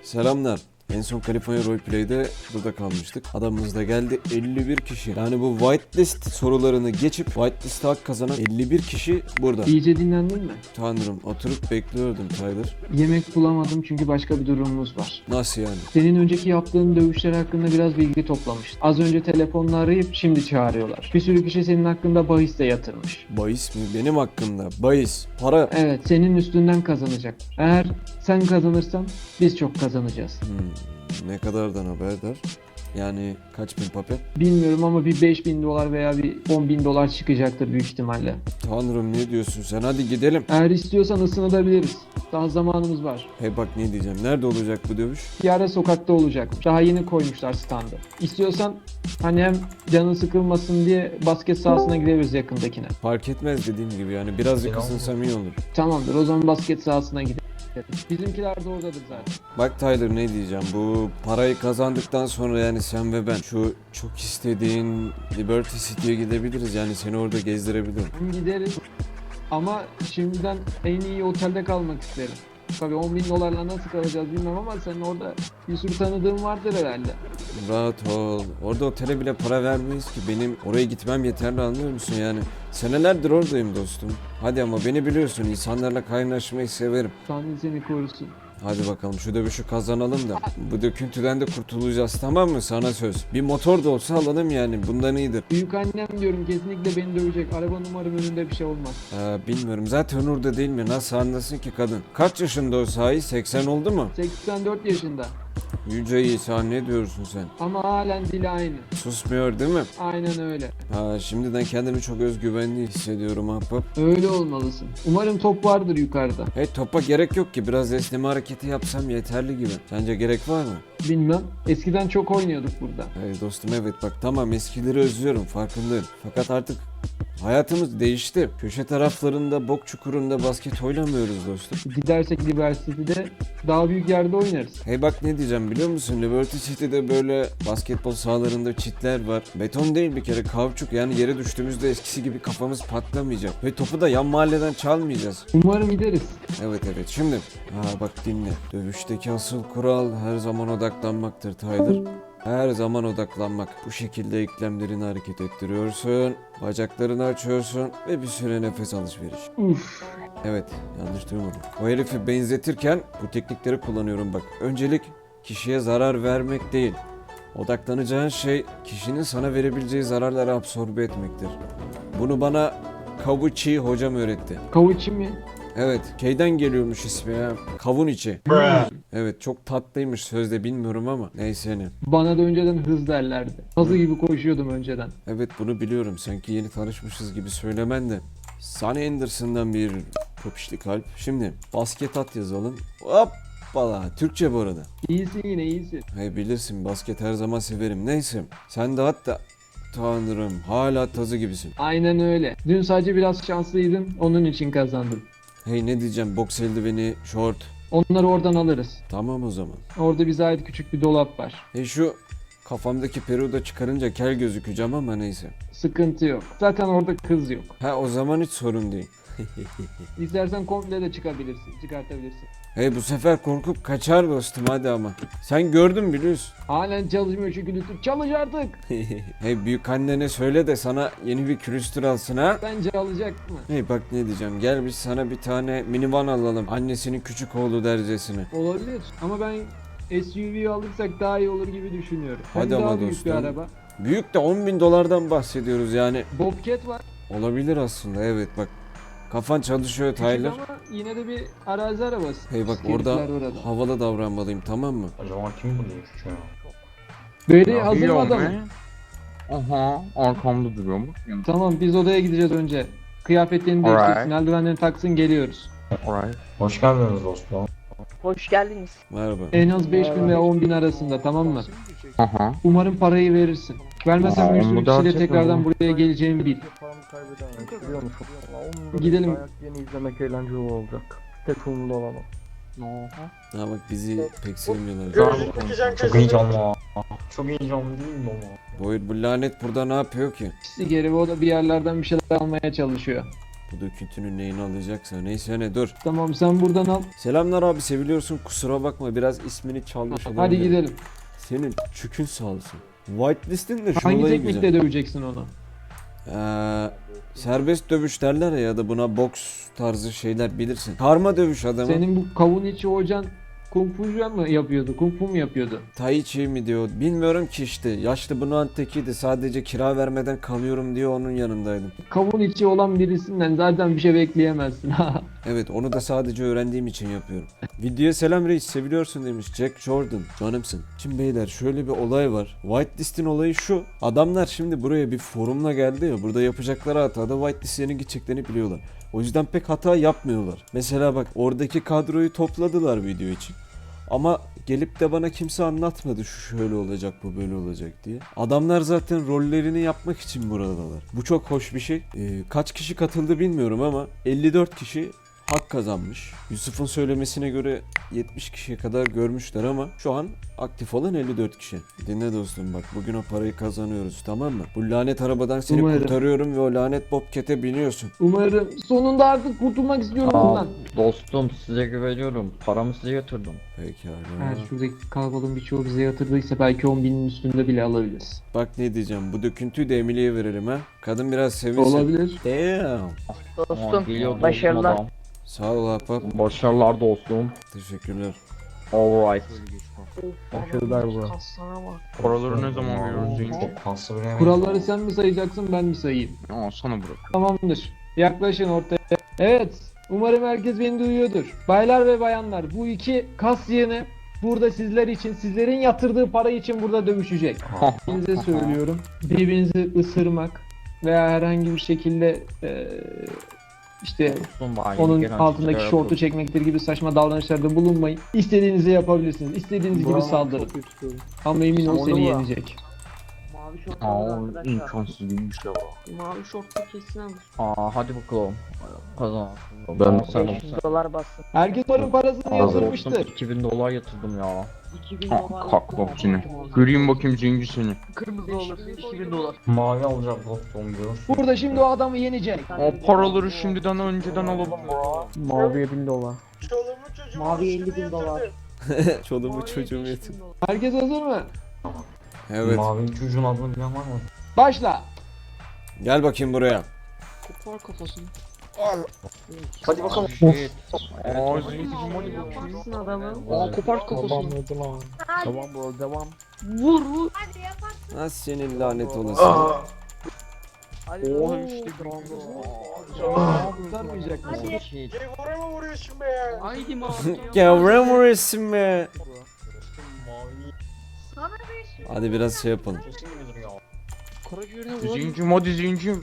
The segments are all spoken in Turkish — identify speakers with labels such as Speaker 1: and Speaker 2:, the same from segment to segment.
Speaker 1: Selamlar. En son California Roleplay'de burada kalmıştık. Adamımız da geldi 51 kişi. Yani bu whitelist sorularını geçip whitelist'e hak kazanan 51 kişi burada.
Speaker 2: İyice dinlendin mi?
Speaker 1: Tanrım, oturup bekliyordum Tyler.
Speaker 2: Yemek bulamadım çünkü başka bir durumumuz var.
Speaker 1: Nasıl yani?
Speaker 2: Senin önceki yaptığın dövüşler hakkında biraz bilgi toplamıştım. Az önce telefonla arayıp şimdi çağırıyorlar. Bir sürü kişi senin hakkında bahis de yatırmış.
Speaker 1: Bahis mi? Benim hakkımda. Bahis. Para.
Speaker 2: Evet, senin üstünden kazanacak. Eğer sen kazanırsan biz çok kazanacağız.
Speaker 1: Ne kadardan haberdar? Yani kaç bin papel?
Speaker 2: Bilmiyorum ama bir 5.000 dolar veya bir 10.000 dolar çıkacaktır büyük ihtimalle.
Speaker 1: Tanrım ne diyorsun sen? Hadi gidelim.
Speaker 2: Eğer istiyorsan ısınabiliriz. Daha zamanımız var.
Speaker 1: Hey bak ne diyeceğim. Nerede olacak bu dövüş?
Speaker 2: Bir ara sokakta olacakmış. Daha yeni koymuşlar standı. İstiyorsan hani hem canın sıkılmasın diye basket sahasına gidebiliriz yakındakine.
Speaker 1: Fark etmez dediğim gibi yani. Birazcık ısınsam iyi olur.
Speaker 2: Tamamdır, o zaman basket sahasına gidelim. Bizimkiler de oradadır zaten.
Speaker 1: Bak Tyler ne diyeceğim, bu parayı kazandıktan sonra yani sen ve ben şu çok istediğin Liberty City'ye gidebiliriz, yani seni orada gezdirebilirim.
Speaker 2: Gideriz ama şimdiden en iyi otelde kalmak isterim. Tabii 10.000 dolarla nasıl kalacağız bilmem ama senin orada bir sürü tanıdığın vardır herhalde.
Speaker 1: Rahat ol, orada otele bile para vermeyiz ki, benim oraya gitmem yeterli, anlıyor musun yani? Senelerdir oradayım dostum. Hadi ama beni biliyorsun, insanlarla kaynaşmayı severim.
Speaker 2: Tanrı seni korusun.
Speaker 1: Hadi bakalım şu dövüşü kazanalım da bu döküntüden de kurtulacağız, tamam mı? Sana söz. Bir motor da olsa alalım yani, bundan iyidir.
Speaker 2: Büyük annem diyorum kesinlikle beni dövecek. Arabanın umarım önünde bir şey olmaz.
Speaker 1: Bilmiyorum zaten orada değil mi? Nasıl anlasın ki kadın? Kaç yaşında o sahi? 80 oldu mu?
Speaker 2: 84 yaşında
Speaker 1: Yüce İsa ne diyorsun sen?
Speaker 2: ama halen dili aynı.
Speaker 1: Susmuyor değil mi?
Speaker 2: Aynen öyle.
Speaker 1: Şimdiden kendimi çok özgüvenli hissediyorum ahbap.
Speaker 2: Öyle olmalısın. Umarım top vardır yukarıda.
Speaker 1: Hey, topa gerek yok ki, biraz esneme hareketi yapsam yeterli gibi. Sence gerek var mı?
Speaker 2: Bilmem. Eskiden çok oynuyorduk burada.
Speaker 1: Hey dostum, evet bak tamam, eskileri özlüyorum, farkındayım. Fakat artık hayatımız değişti. Köşe taraflarında, bok çukurunda basket oynamıyoruz dostum.
Speaker 2: Gidersek Liberty'de daha büyük yerde oynarız.
Speaker 1: Hey bak ne diyeceğim biliyor musun? Liberty City'de böyle basketbol sahalarında çitler var. Beton değil bir kere, kauçuk, yani yere düştüğümüzde eskisi gibi kafamız patlamayacak. Ve topu da yan mahalleden çalmayacağız.
Speaker 2: Umarım gideriz.
Speaker 1: Evet şimdi. Bak dinle. Dövüşteki asıl kural her zaman odaklanmaktır Tyler. Her zaman odaklanmak. Bu şekilde eklemlerini hareket ettiriyorsun, bacaklarını açıyorsun ve bir süre nefes alışveriş.
Speaker 2: Uf.
Speaker 1: Evet, yanlış duymadım. O herifi benzetirken bu teknikleri kullanıyorum bak. Öncelik kişiye zarar vermek değil. Odaklanacağın şey kişinin sana verebileceği zararları absorbe etmektir. Bunu bana Kavuchi hocam öğretti.
Speaker 2: Kavuçi mi?
Speaker 1: Evet, K'den geliyormuş ismi ya. Kavun içi. Evet, çok tatlıymış sözde, bilmiyorum ama neyse ne.
Speaker 2: Bana da önceden hız derlerdi. Hızlı gibi koşuyordum önceden.
Speaker 1: Evet bunu biliyorum, sanki yeni tanışmışız gibi söylemen de. Sonny Anderson'dan bir popişli kalp. Şimdi basket at yazalım. Hoppala, Türkçe bu arada.
Speaker 2: İyisin yine iyisin.
Speaker 1: Hey bilirsin, basket her zaman severim. Neyse, sen de hatta Tanrım hala tazı gibisin.
Speaker 2: Aynen öyle. Dün sadece biraz şanslıydın. Onun için kazandın.
Speaker 1: Hey ne diyeceğim, boks eldiveni, short.
Speaker 2: Onları oradan alırız.
Speaker 1: Tamam o zaman.
Speaker 2: Orada bize ait küçük bir dolap var.
Speaker 1: Hey şu kafamdaki peruğu da çıkarınca kel gözükeceğim ama neyse.
Speaker 2: Sıkıntı yok. Zaten orada kız yok.
Speaker 1: O zaman hiç sorun değil.
Speaker 2: İstersen komple de çıkartabilirsin.
Speaker 1: Hey bu sefer korkup kaçar dostum, hadi ama. Sen gördün biliyorsun.
Speaker 2: Halen çalışmıyor çünkü lütfen çalış artık.
Speaker 1: Hey büyük annene söyle de sana yeni bir külüstür alsın ha.
Speaker 2: Bence alacak mı?
Speaker 1: Hey bak ne diyeceğim, gel biz sana bir tane minivan alalım. Annesinin küçük oğlu dercesine.
Speaker 2: Olabilir ama ben SUV alırsak daha iyi olur gibi düşünüyorum. Hem
Speaker 1: Hadi
Speaker 2: daha
Speaker 1: ama
Speaker 2: büyük
Speaker 1: dostum.
Speaker 2: bir araba.
Speaker 1: Büyük de 10.000 dolardan bahsediyoruz yani.
Speaker 2: Bobcat var.
Speaker 1: Olabilir aslında, evet bak. Kafan çalışıyor
Speaker 2: Küçük
Speaker 1: Tyler.
Speaker 2: ama yine de bir arazi arabası.
Speaker 1: Hey bak
Speaker 2: Herifler
Speaker 1: orada havalı davranmalıyım, tamam mı?
Speaker 3: Acaba kim bulmuş ya?
Speaker 2: Böyle hazır mı adamım?
Speaker 4: Aha, arkamda duruyor mu?
Speaker 2: Tamam biz odaya gideceğiz önce. Kıyafetlerini değiştirsin, eldivenlerini taksın, geliyoruz.
Speaker 4: Alright.
Speaker 3: Hoş geldiniz dostum.
Speaker 5: Hoş geldiniz.
Speaker 1: Merhaba.
Speaker 2: En az 5.000 veya 10.000 arasında, tamam mı?
Speaker 4: Aha.
Speaker 2: Umarım parayı verirsin. Vermezsen bir sürü
Speaker 4: Onu
Speaker 2: kişiyle
Speaker 4: gerçekten
Speaker 2: tekrardan
Speaker 4: mi?
Speaker 2: buraya geleceğimi bil. Gidelim.
Speaker 6: Yeni izlemek eğlenceli olacak. Tek umurlu olamam.
Speaker 1: Bak bizi pek sevmiyorlar.
Speaker 3: Çok heyecanlı. Çok heyecanlı değil mi ama?
Speaker 1: Bu lanet burada ne yapıyor ki?
Speaker 2: İşte geri o da bir yerlerden bir şeyler almaya çalışıyor.
Speaker 1: bu döküntünün neyini alacaksa. Neyse ne dur.
Speaker 2: Tamam sen buradan al.
Speaker 1: Selamlar abi, seviliyorsun, kusura bakma biraz ismini çalmış
Speaker 2: Hadi
Speaker 1: olabilirim.
Speaker 2: gidelim.
Speaker 1: Senin çükün sağ olsun. Whitelist'in de şu
Speaker 2: Hangi
Speaker 1: olayı
Speaker 2: teknikle
Speaker 1: güzel.
Speaker 2: döveceksin onu?
Speaker 1: Serbest dövüş derler ya da buna boks tarzı şeyler bilirsin. Karma dövüş adamı.
Speaker 2: Senin bu kavun içi hocan Kung Fu'cu mu yapıyordu? Kung Fu mu yapıyordu?
Speaker 1: Tai Chi mi diyor bilmiyorum ki işte. Yaşlı bunun tekiydi, sadece kira vermeden kalıyorum diye onun yanındaydım.
Speaker 2: Kavun içi olan birisinden zaten bir şey bekleyemezsin.
Speaker 1: Evet, onu da sadece öğrendiğim için yapıyorum. Videoya selam reis, seviliyorsun demiş Jack Jordan, canımsın. Şimdi beyler şöyle bir olay var. Whitelist'in olayı şu. Adamlar şimdi buraya bir forumla geldi ya, burada yapacakları hatada whitelist'lerin gideceklerini biliyorlar. O yüzden pek hata yapmıyorlar. Mesela bak, oradaki kadroyu topladılar video için. Ama gelip de bana kimse anlatmadı şu şöyle olacak bu böyle olacak diye. Adamlar zaten rollerini yapmak için buradalar. Bu çok hoş bir şey. Kaç kişi katıldı bilmiyorum ama 54 kişi hak kazanmış. Yusuf'un söylemesine göre 70 kişiye kadar görmüşler ama şu an aktif olan 54 kişi. Dinle dostum bak, bugün o parayı kazanıyoruz, tamam mı? Bu lanet arabadan seni
Speaker 2: Umarım.
Speaker 1: kurtarıyorum ve o lanet bobkete biniyorsun.
Speaker 2: Umarım sonunda artık kurtulmak istiyorum bundan.
Speaker 3: Dostum size güveniyorum. Paramı size yatırdım.
Speaker 1: Pekala.
Speaker 2: Eğer şuradaki kalabalığın birçoğu bize yatırdıysa belki 10.000'in üstünde bile alabiliriz.
Speaker 1: Bak ne diyeceğim, bu döküntüyü de Emily'ye verelim ha. Kadın biraz sevinsin.
Speaker 2: Olabilir.
Speaker 1: Damn.
Speaker 6: Dostum
Speaker 3: Geliyor
Speaker 6: başarılar.
Speaker 3: dostum
Speaker 1: Sağ ol ahbap.
Speaker 3: adam. Başarılar dostum.
Speaker 1: Teşekkürler.
Speaker 3: Alright.
Speaker 6: Başarılar bro.
Speaker 4: Paraları ne zaman veriyoruz Zenci?
Speaker 3: Kaslı bir
Speaker 2: Kuralları sen mi sayacaksın ben mi sayayım?
Speaker 4: Aa, sana bırak.
Speaker 2: Tamamdır. Yaklaşın ortaya. Evet. Umarım herkes beni duyuyordur. Baylar ve bayanlar, bu iki kas yığını burada sizler için, sizlerin yatırdığı para için burada dövüşecek. Size söylüyorum. Birbirinizi ısırmak veya herhangi bir şekilde işte
Speaker 3: Dostum bari.
Speaker 2: onun
Speaker 3: gelen
Speaker 2: altındaki
Speaker 3: şeyler
Speaker 2: şortu
Speaker 3: yapıyorum.
Speaker 2: çekmektir gibi saçma davranışlarda bulunmayın. İstediğinizi yapabilirsiniz. İstediğiniz gibi saldırın. Ama emin ol
Speaker 6: Oldu
Speaker 2: seni
Speaker 6: mu?
Speaker 2: yenecek.
Speaker 5: Mavi şortlu
Speaker 3: Aa
Speaker 5: arkadaşlar.
Speaker 3: imkansız değilmiş ya.
Speaker 5: Mavi şortlu kesin alır.
Speaker 3: Aa hadi bakalım. Kazan.
Speaker 6: Ben-
Speaker 3: sen
Speaker 5: 500 dolar bassın.
Speaker 2: Herkes paranın parasını yatırmıştır.
Speaker 3: 2000 dolar yatırdım ya.
Speaker 5: 2000
Speaker 4: Ha,
Speaker 5: dolar.
Speaker 4: kalk bak seni. Göreyim bakayım Zenci seni.
Speaker 5: Kırmızı olursa 2000 dolar.
Speaker 3: Mavi alacak dostum diyor.
Speaker 2: Burada şimdi o adamı yenecek.
Speaker 4: O paraları şimdiden önceden alalım.
Speaker 6: Maviye 1000 dolar.
Speaker 5: Mavi 50.000 dolar.
Speaker 1: Çoluğumu çocuğumu yetim.
Speaker 2: Herkes hazır mı?
Speaker 1: Evet.
Speaker 3: Mavi çocuğun adını bilen var mı?
Speaker 2: Başla.
Speaker 1: Gel bakayım buraya.
Speaker 5: Kopar kafasını.
Speaker 3: Hadi bakalım.
Speaker 4: Shit. Aa Zenci hadi bakayım.
Speaker 5: Kaçsın adamı. Aa kopar kafasını.
Speaker 6: Tamam bro devam.
Speaker 5: Vur vur.
Speaker 1: Ha senin lanet olası.
Speaker 5: Hadi
Speaker 4: Oha
Speaker 5: vur.
Speaker 4: işte
Speaker 2: Kurtarmayacak mısın?
Speaker 5: Haydi mavi.
Speaker 1: Gavram orası be.
Speaker 5: Sana
Speaker 1: Hadi biraz şey yapalım.
Speaker 5: Karaciğerine vur.
Speaker 4: Zencim hadi Zencim.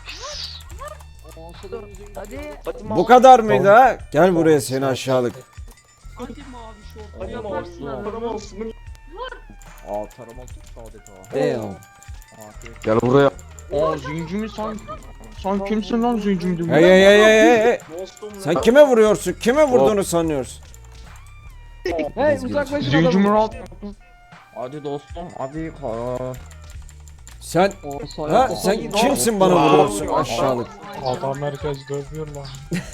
Speaker 5: Hadi.
Speaker 1: Bu kadar mıydı ha? Gel buraya seni aşağılık.
Speaker 5: Hadi mavi şortlu. Yaparsın adamı.
Speaker 3: Aa taramalı tuttu adeta.
Speaker 1: Damn.
Speaker 6: Gel buraya.
Speaker 4: Aa Zenci mi sen kimsin lan Zencim diyor.
Speaker 1: Hey hey hey hey hey. Sen kime vuruyorsun? Kime vurduğunu sanıyorsun?
Speaker 2: Hey uzaklaşın
Speaker 4: Zencim
Speaker 2: adamı.
Speaker 4: rahat.
Speaker 3: Hadi dostum hadi.
Speaker 1: Sen ha sen kimsin bana vuruyorsun aşağılık?
Speaker 7: Adam herkes dövüyor lan.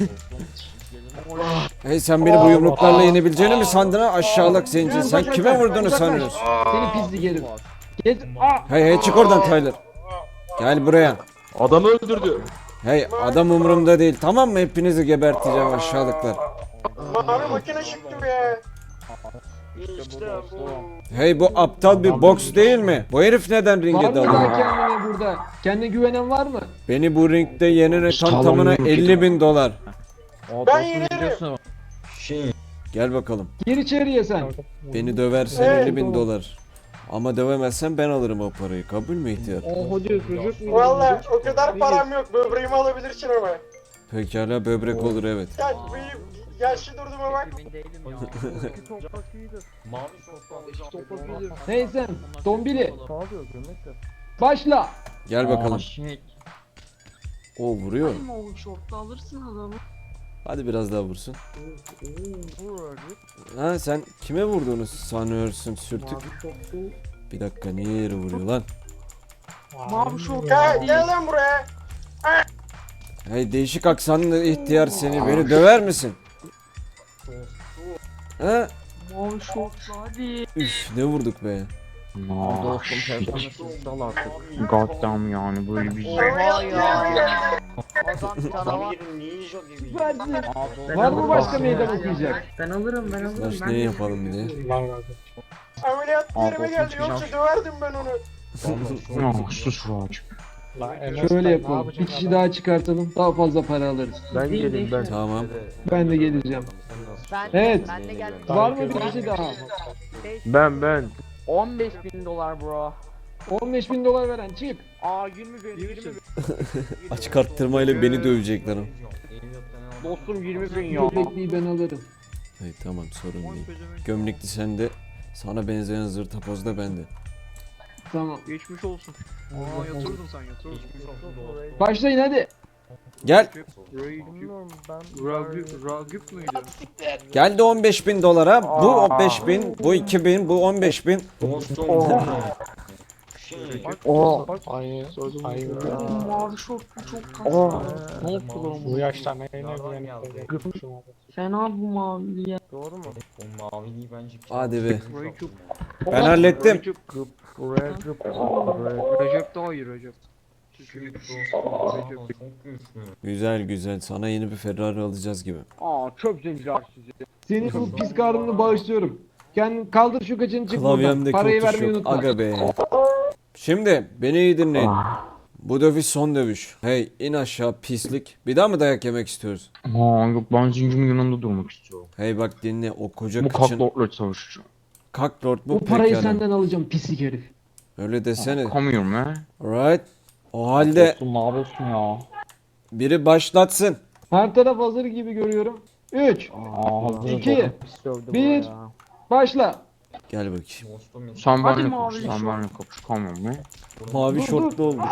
Speaker 1: Hey sen beni bu yumruklarla yenebileceğini mi sandın ha aşağılık zenci? Sen kime vurduğunu sanıyorsun?
Speaker 2: Seni pislik herif. Git. Aa!
Speaker 1: Hey hey çık oradan Tyler. Gel buraya.
Speaker 6: Adamı öldürdü.
Speaker 1: Hey adam umurumda değil, tamam mı? Hepinizi geberteceğim aşağılıklar. Hey bu aptal bir boks değil mi? Bu herif neden
Speaker 2: Var
Speaker 1: ringe
Speaker 2: mı
Speaker 1: dalıyor?
Speaker 2: daha kendine burada? Kendine güvenen var mı?
Speaker 1: Beni bu ringde yenene tam tamına 50.000 dolar.
Speaker 3: Ben yenerim. Şey.
Speaker 1: Gel bakalım.
Speaker 2: Gir içeriye sen.
Speaker 1: Beni döversen 50.000 dolar. Ama dövemezsen ben alırım o parayı. Kabul mü ihtiyar?
Speaker 8: Valla o kadar param yok. Böbreğimi alabilirsin ama.
Speaker 1: Pekala böbrek olur evet.
Speaker 8: Gel benim yaşlı durduğuma bak.
Speaker 3: Mavi şortlu
Speaker 2: Hey sen. Dombili.
Speaker 6: Ne yapıyor gömlek de?
Speaker 2: Başla.
Speaker 1: Gel bakalım.
Speaker 3: Shit.
Speaker 1: O vuruyor.
Speaker 5: Hadi mavi şortlu alırsın adamı.
Speaker 1: Hadi biraz daha vursun. Ha sen kime vurduğunu sanıyorsun sürtük? Bir dakika niye yere vuruyor lan?
Speaker 5: Mavi şortlu
Speaker 8: Gel,
Speaker 5: değil.
Speaker 8: gel lan buraya.
Speaker 1: Hey değişik aksanlı ihtiyar seni, beni döver misin? He?
Speaker 5: Mavi şortlu hadi.
Speaker 1: Üf ne vurduk be.
Speaker 4: Aa,
Speaker 6: Dostum
Speaker 4: shit.
Speaker 6: telefonla sal artık.
Speaker 4: Goddamn yani böyle bir
Speaker 5: Oha ya. Adam canavar.
Speaker 3: Bir ninja gibi.
Speaker 2: Versin.
Speaker 6: Aa,
Speaker 2: Var mı başka
Speaker 6: dostum.
Speaker 2: meydan okuyacak?
Speaker 5: Ben alırım.
Speaker 1: Slash ne yapalım diye.
Speaker 7: Lan razı.
Speaker 8: Ameliyat yerime geldi yoksa döverdim ben onu.
Speaker 4: sus Raj.
Speaker 7: Lan Enes
Speaker 2: Şöyle
Speaker 7: ne
Speaker 2: yapalım. Bir
Speaker 7: yapacaksın
Speaker 2: kişi
Speaker 7: adam?
Speaker 2: daha çıkartalım. Daha fazla para alırız.
Speaker 6: Ben geleyim ben.
Speaker 1: Tamam.
Speaker 2: Ben de geleceğim.
Speaker 5: Ben
Speaker 2: Evet.
Speaker 5: Ben de geldim.
Speaker 2: Var mı bir kişi daha?
Speaker 6: Ben.
Speaker 5: 15.000 dolar bro.
Speaker 2: 15.000 dolar veren çık.
Speaker 5: Aa 20 bin. 20 bin.
Speaker 1: Açık arttırmayla beni dövecekler ama.
Speaker 5: Dostum 20 bin ya.
Speaker 2: Göbekliği ben alırım.
Speaker 1: Hey tamam sorun değil. Gömlekli sende. Sana benzeyen zır tapoz da bende.
Speaker 2: Tamam.
Speaker 5: Geçmiş olsun. Aa yatırdın sen yatırdın.
Speaker 2: Başlayın hadi.
Speaker 1: Gel.
Speaker 5: Ragıp mıydı?
Speaker 1: Geldi 15.000 dolara. Bu 15.000, bu 2.000, bu 15.000.
Speaker 3: Dostum.
Speaker 7: Aynı. Aynı.
Speaker 5: Mavi şortlu çok
Speaker 6: Aa.
Speaker 5: Ne oldu lan
Speaker 7: Bu yaşta neyine güvenip de
Speaker 5: Fena bu mavi ya.
Speaker 6: Doğru mu?
Speaker 3: O maviliği bence
Speaker 1: Hadi be.
Speaker 5: Ragıp.
Speaker 1: Ben hallettim.
Speaker 5: Recep daha iyi Recep.
Speaker 3: çok güçlü.
Speaker 1: Güzel güzel. Sana yeni bir Ferrari alacağız gibi.
Speaker 5: Aa çöp zenciler sizi.
Speaker 2: Senin bu pis karnını bağışlıyorum. Kendin kaldır şu kaçını çık buradan.
Speaker 1: Klavyemdeki
Speaker 2: Parayı
Speaker 1: o tuş
Speaker 2: vermeyi
Speaker 1: yok.
Speaker 2: unutma.
Speaker 1: Aga be. Şimdi beni iyi dinleyin. Bu dövüş son dövüş. Hey in aşağı pislik. Bir daha mı dayak yemek istiyoruz?
Speaker 4: Aa yok ben zincirin yanında durmak istiyorum.
Speaker 1: Hey bak dinle o koca
Speaker 4: Bu
Speaker 1: kıçın.
Speaker 4: kaklortla savaşacağım.
Speaker 2: Bu
Speaker 1: Kaklord bu
Speaker 2: parayı
Speaker 1: pekala.
Speaker 2: senden alacağım pislik herif.
Speaker 1: Öyle desene.
Speaker 4: Come here man.
Speaker 1: Alright. O halde
Speaker 6: Dostum ne yapıyorsun ya?
Speaker 1: biri başlatsın.
Speaker 2: Her taraf hazır gibi görüyorum. 3.
Speaker 6: Aa, hazır.
Speaker 2: 2.
Speaker 6: Pis dövdü bu
Speaker 2: 1.
Speaker 6: ya.
Speaker 1: Gel
Speaker 2: Başla.
Speaker 1: bakayım.
Speaker 3: Dostum.
Speaker 4: Sen
Speaker 5: Hadi
Speaker 4: benimle
Speaker 5: mavi
Speaker 4: kapış. Sen
Speaker 5: şort.
Speaker 4: benimle kapış. Come here man.
Speaker 1: Mavi
Speaker 2: Dur,
Speaker 1: şortlu oldu.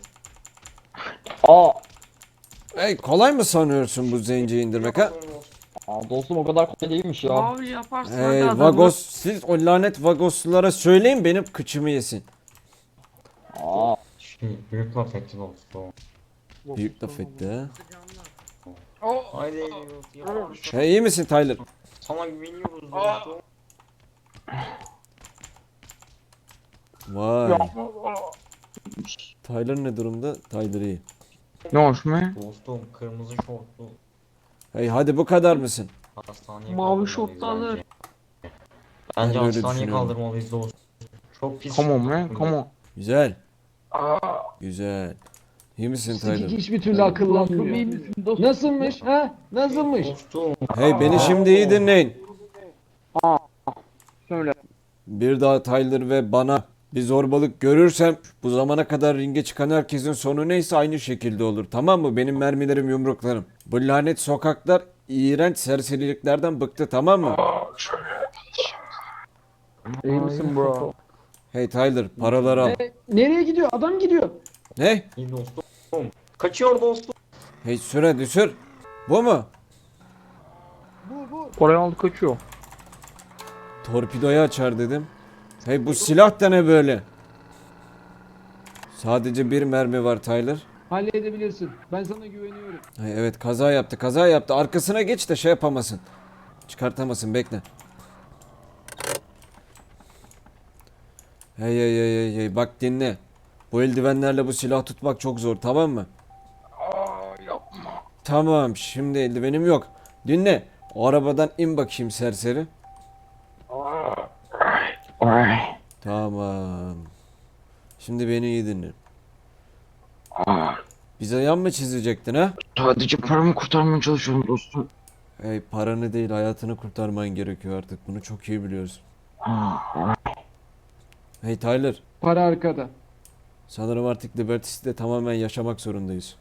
Speaker 6: Aa.
Speaker 1: Hey kolay mı sanıyorsun bu zenciyi indirmek ha?
Speaker 6: Aa, dostum o kadar kolay değilmiş ya.
Speaker 5: Mavi yaparsın hadi
Speaker 1: Hey
Speaker 5: adamı.
Speaker 1: Vagos siz o lanet Vagoslulara söyleyin benim kıçımı yesin.
Speaker 6: Aa.
Speaker 3: Büyük laf dostum.
Speaker 1: Büyük laf etti ha.
Speaker 3: Haydi yapalım.
Speaker 1: Hey iyi misin Tyler?
Speaker 3: Sana güveniyoruz dostum.
Speaker 1: Vay. Tyler ne durumda? Tyler iyi.
Speaker 4: Ne hoş man?
Speaker 3: Dostum kırmızı şortlu.
Speaker 1: Hey hadi bu kadar mısın?
Speaker 3: Hastaneye
Speaker 5: Mavi
Speaker 3: kaldırmalıyız
Speaker 5: şortlu alır.
Speaker 3: bence.
Speaker 1: Ben
Speaker 3: Bence
Speaker 1: de öyle
Speaker 3: hastaneye
Speaker 1: düşünüyorum.
Speaker 3: kaldırmalıyız dostum. Çok pis.
Speaker 4: Come on man. Come on.
Speaker 1: Güzel. Güzel. İyi misin
Speaker 2: Pislik
Speaker 1: Tyler?
Speaker 2: hiçbir türlü akıllanmıyor. Nasılmış ha? Nasılmış?
Speaker 3: Dostum.
Speaker 1: Hey beni şimdi iyi dinleyin.
Speaker 5: Söyle.
Speaker 1: Bir daha Tyler ve bana bir zorbalık görürsem bu zamana kadar ringe çıkan herkesin sonu neyse aynı şekilde olur. Tamam mı? Benim mermilerim yumruklarım. Bu lanet sokaklar iğrenç serseriliklerden bıktı tamam mı?
Speaker 6: İyi misin bro?
Speaker 1: Hey Tyler paraları al.
Speaker 2: Nereye gidiyor? Adam gidiyor.
Speaker 1: Ne?
Speaker 3: İyi dostum. Kaçıyor dostum.
Speaker 1: Hey sür hadi sür. Bu mu?
Speaker 4: Parayı aldı kaçıyor.
Speaker 1: Torpidoyu açar dedim. Hey bu silah da ne böyle? Sadece bir mermi var Tyler.
Speaker 2: Halledebilirsin. Ben sana güveniyorum.
Speaker 1: Hey, evet kaza yaptı kaza yaptı. Arkasına geç de şey yapamasın. Çıkartamasın bekle. Hey hey hey hey hey bak dinle. Bu eldivenlerle bu silah tutmak çok zor tamam mı? Tamam şimdi eldivenim yok. Dinle. O arabadan in bakayım serseri.
Speaker 4: Alright.
Speaker 1: Tamam. Şimdi beni iyi dinle. Bize yan mı çizecektin ha?
Speaker 4: Sadece paramı kurtarmaya çalışıyorum dostum.
Speaker 1: Hey paranı değil hayatını kurtarman gerekiyor artık. Bunu çok iyi biliyorsun. Hey Tyler.
Speaker 2: Para arkada.
Speaker 1: Sanırım artık Liberty City'de tamamen yaşamak zorundayız.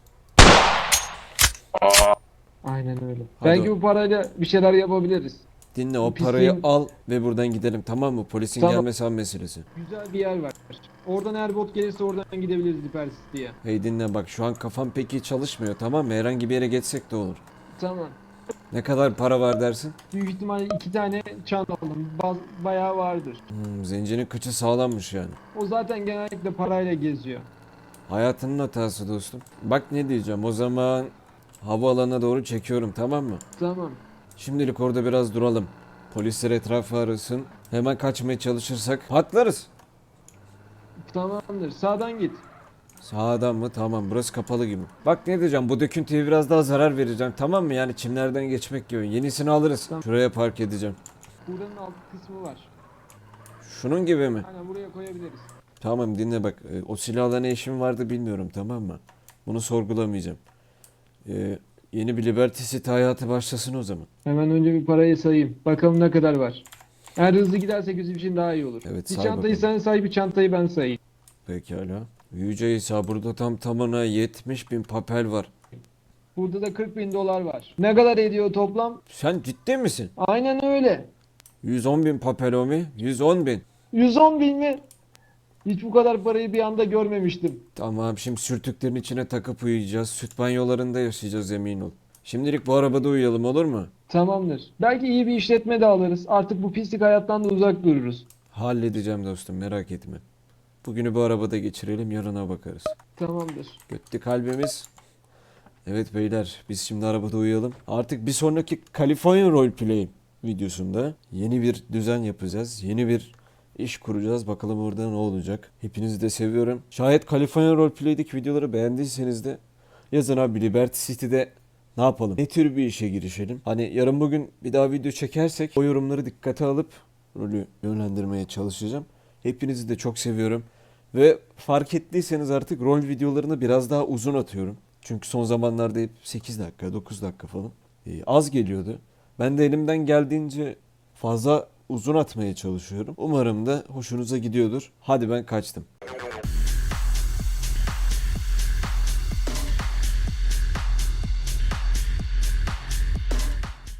Speaker 2: Aynen öyle.
Speaker 1: Hadi
Speaker 2: Belki
Speaker 1: o-
Speaker 2: bu parayla bir şeyler yapabiliriz.
Speaker 1: Dinle o
Speaker 2: Bu pisliğin-
Speaker 1: parayı al ve buradan gidelim tamam mı? Polisin
Speaker 2: Tamam.
Speaker 1: gelmesi an meselesi.
Speaker 2: Güzel bir yer var. Oradan eğer bot gelirse oradan gidebiliriz Liberty City'ye.
Speaker 1: Hey dinle bak şu an kafam pek iyi çalışmıyor tamam mı? Herhangi bir yere geçsek de olur.
Speaker 2: Tamam.
Speaker 1: Ne kadar para var dersin?
Speaker 2: Büyük ihtimalle 2 tane çan aldım. Bayağı vardır.
Speaker 1: Zencinin kıçı sağlammış yani.
Speaker 2: O zaten genellikle parayla geziyor.
Speaker 1: Hayatının hatası dostum. Bak ne diyeceğim o zaman havaalanına doğru çekiyorum, tamam mı?
Speaker 2: Tamam.
Speaker 1: Şimdilik orada biraz duralım. Polisler etrafı arasın. Hemen kaçmaya çalışırsak patlarız.
Speaker 2: Tamamdır. Sağdan git.
Speaker 1: Sağdan mı? Tamam, burası kapalı gibi. Bak ne diyeceğim, bu döküntüye biraz daha zarar vereceğim, tamam mı? Yani çimlerden geçmek gibi. Yenisini alırız.
Speaker 2: Tamam.
Speaker 1: Şuraya park edeceğim.
Speaker 2: Buranın alt kısmı var.
Speaker 1: Şunun gibi mi?
Speaker 2: Aynen buraya koyabiliriz.
Speaker 1: Tamam, dinle bak. O silahla ne işim vardı bilmiyorum, tamam mı? Bunu sorgulamayacağım. Yeni bir Liberty City hayatı başlasın o zaman.
Speaker 2: Hemen önce bir parayı sayayım. Bakalım ne kadar var. Eğer hızlı gidersek bizim için daha iyi olur.
Speaker 1: Evet,
Speaker 2: Bir
Speaker 1: say
Speaker 2: çantayı
Speaker 1: bakalım.
Speaker 2: sen say, bir çantayı ben sayayım.
Speaker 1: Pekala. Yüce İsa, burada tam tamına 70.000 papel var.
Speaker 2: Burada da 40.000 dolar var. Ne kadar ediyor toplam?
Speaker 1: Sen ciddi misin?
Speaker 2: Aynen öyle.
Speaker 1: 110.000 papel o mi? 110.000.
Speaker 2: 110.000 mi? Hiç bu kadar parayı bir anda görmemiştim.
Speaker 1: Tamam, şimdi sürtüklerin içine takıp uyuyacağız. Süt banyolarında yaşayacağız, emin ol. Şimdilik bu arabada uyuyalım, olur mu?
Speaker 2: Tamamdır. Belki iyi bir işletme de alırız. Artık bu pislik hayattan da uzak dururuz.
Speaker 1: Halledeceğim dostum, merak etme. Bugünü bu arabada geçirelim, yarına bakarız.
Speaker 2: Tamamdır.
Speaker 1: Götti kalbimiz. Evet beyler, biz şimdi arabada uyuyalım. Artık bir sonraki California Roleplay videosunda yeni bir düzen yapacağız. Yeni bir iş kuracağız. Bakalım orada ne olacak. Hepinizi de seviyorum. Şayet California Roleplay'deki videoları beğendiyseniz de yazın abi, Liberty City'de ne yapalım? Ne tür bir işe girişelim? Hani yarın bugün bir daha video çekersek o yorumları dikkate alıp rolü yönlendirmeye çalışacağım. Hepinizi de çok seviyorum. Ve fark ettiyseniz artık rol videolarını biraz daha uzun atıyorum. Çünkü son zamanlarda hep 8 dakika, 9 dakika falan az geliyordu. Ben de elimden geldiğince fazla uzun atmaya çalışıyorum. Umarım da hoşunuza gidiyordur. Hadi ben kaçtım.